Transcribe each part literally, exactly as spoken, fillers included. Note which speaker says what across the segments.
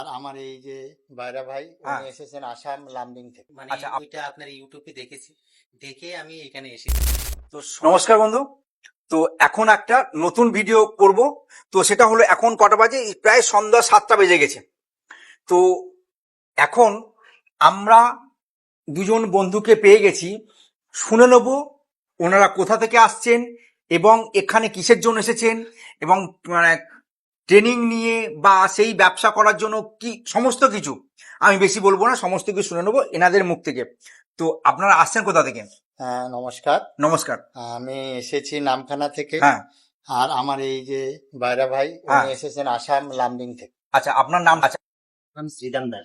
Speaker 1: আর আমার এই যে বাইরা ভাই
Speaker 2: হ্যাঁ।
Speaker 1: উনি এসেছেন আসাম লামডিং থেকে।
Speaker 3: মানে
Speaker 2: আচ্ছা, আপ-
Speaker 3: ওইটা আপনার ইউটিউবে দেখেছি, দেখে আমি এখানে এসেছি।
Speaker 2: তো নমস্কার বন্ধু। তো এখন একটা নতুন ভিডিও করব। তো সেটা হলো এখন কটা বাজে, প্রায় সন্ধ্যা সাতটা বেজে গেছে। তো এখন আমরা দুজন বন্ধুকে পেয়ে গেছি, শুনে নেব ওনারা কোথা থেকে আসছেন এবং এখানে কিসের জন্য এসেছেন এবং মানে ট্রেনিং নিয়ে বা সেই ব্যবসা করার জন্য কি সমস্ত কিছু। আমি বেশি বলবো না, সমস্ত কিছু শুনে নেবো এনাদের মুখ থেকে। তো আপনারা আসছেন কোথা থেকে?
Speaker 1: হ্যাঁ, নমস্কার।
Speaker 2: নমস্কার।
Speaker 1: আমি এসেছি নামখানা থেকে।
Speaker 2: হ্যাঁ।
Speaker 1: আর আমার এই যে বাইরা ভাই
Speaker 2: হ্যাঁ।
Speaker 1: উনি এসেছেন আসাম লামডিং থেকে।
Speaker 2: আচ্ছা, আপনার নাম? আচ্ছা,
Speaker 3: আমি শ্রীরাম দাস।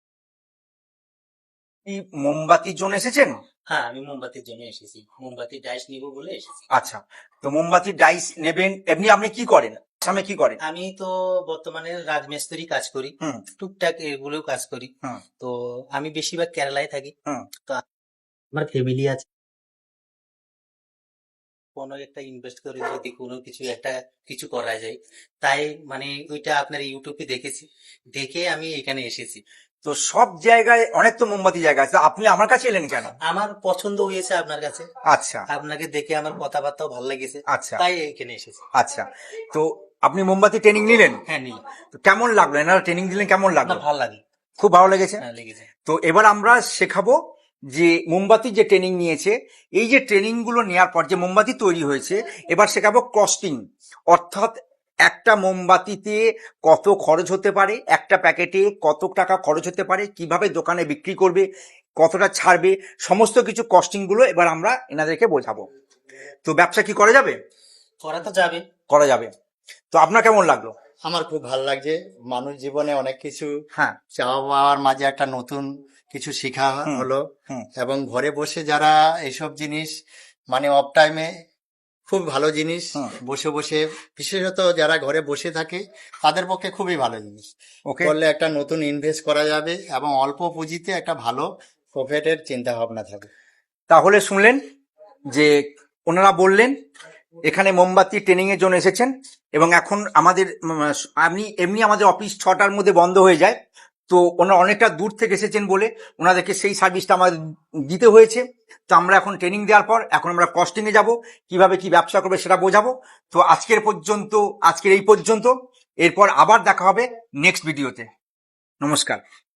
Speaker 2: কি মোমবাতির জন্য এসেছেন?
Speaker 3: হ্যাঁ, আমি মোমবাতির জন্য এসেছি, মোমবাতির ডাইস নিব বলে এসেছি।
Speaker 2: আচ্ছা, তো মোমবাতির ডাইস নেবেন। এমনি আপনি কি করেন, আসামে কি করেন?
Speaker 3: আমি তো বর্তমানে রাজমিস্ত্রি কাজ করি,
Speaker 2: হুম
Speaker 3: টুকটাক এগুলো কাজ করি।
Speaker 2: হুম
Speaker 3: তো আমি বেশিরভাগ কেরালায় থাকি।
Speaker 2: হুম
Speaker 3: তো আমার ফ্যামিলি আছে, কোনো একটা ইনভেস্ট করে যদি কোনো কিছু একটা কিছু করা যায়, তাই মানে ওইটা আপনার ইউটিউবে দেখেছি, দেখে আমি এখানে এসেছি।
Speaker 2: তো সব জায়গায় অনেক তো মোমবাতি জায়গা আছে, আপনি আমার কাছে এলেন কেন?
Speaker 3: আমার পছন্দ হয়েছে আপনার কাছে,
Speaker 2: আচ্ছা
Speaker 3: আপনাকে দেখে আমার কথাবার্তাও ভালো লেগেছে,
Speaker 2: আচ্ছা
Speaker 3: তাই এখানে এসেছি।
Speaker 2: আচ্ছা, তো আপনি মোমবাতি ট্রেনিং নিলেন?
Speaker 3: হ্যাঁ, নিলাম।
Speaker 2: তো কেমন লাগলো, এনারা ট্রেনিং দিলেন কেমন
Speaker 3: না,
Speaker 2: লাগলো?
Speaker 3: ভালো লাগে।
Speaker 2: খুব ভালো লেগেছে।
Speaker 3: হ্যাঁ, লেগেছে।
Speaker 2: তো এবার আমরা শেখাবো যে মোমবাতি যে ট্রেনিং নিয়েছে, এই যে ট্রেনিং গুলো নেওয়ার পর যে মোমবাতি তৈরি হয়েছে, এবার শেখাবো কস্টিং, অর্থাৎ একটা মোমবাতিতে কত খরচ হতে পারে, একটা প্যাকেটে কত টাকা খরচ হতে পারে, কিভাবে দোকানে বিক্রি করবে, কতটা ছাড়বে, সমস্ত কিছু কস্টিং গুলো এবার আমরা এনাদেরকে বোঝাবো। তো ব্যবসা কি করা যাবে?
Speaker 3: করা তো যাবে।
Speaker 2: করা যাবে। তো আপনার কেমন লাগলো?
Speaker 1: আমার খুব ভালো লাগছে। মানুষ জীবনে অনেক কিছু
Speaker 2: হ্যাঁ।
Speaker 1: চাওয়া পাওয়ার মাঝে একটা নতুন কিছু শেখা
Speaker 2: হুম,
Speaker 1: হলো।
Speaker 2: হুম।
Speaker 1: এবং ঘরে বসে যারা এইসব জিনিস মানে অফ টাইমে খুব ভালো জিনিস,
Speaker 2: হুম।
Speaker 1: বসে বসে বিশেষত যারা ঘরে বসে থাকে তাদের পক্ষে খুবই ভালো জিনিস।
Speaker 2: ওকে।
Speaker 1: করলে একটা নতুন ইনভেস্ট করা যাবে এবং অল্প পুঁজিতে একটা ভালো প্রফিটের চিন্তা ভাবনা থাকবে।
Speaker 2: তাহলে শুনলেন যে ওনারা বললেন এখানে মোমবাতি ট্রেনিং এর জন্য এসেছেন এবং এখন আমাদের উম, আপনি এমনি আমাদের অফিস ছটার মধ্যে বন্ধ হয়ে যায়। তো ওনারা অনেকটা দূর থেকে এসেছেন বলে ওনাদেরকে সেই সার্ভিসটা আমাদের দিতে হয়েছে। তো আমরা এখন ট্রেনিং দেওয়ার পর এখন আমরা কস্টিং এ যাব, কিভাবে কি ব্যবসা করবে সেটা বোঝাবো। তো আজকের পর্যন্ত আজকের এই পর্যন্ত, এরপর আবার দেখা হবে নেক্সট ভিডিওতে। নমস্কার।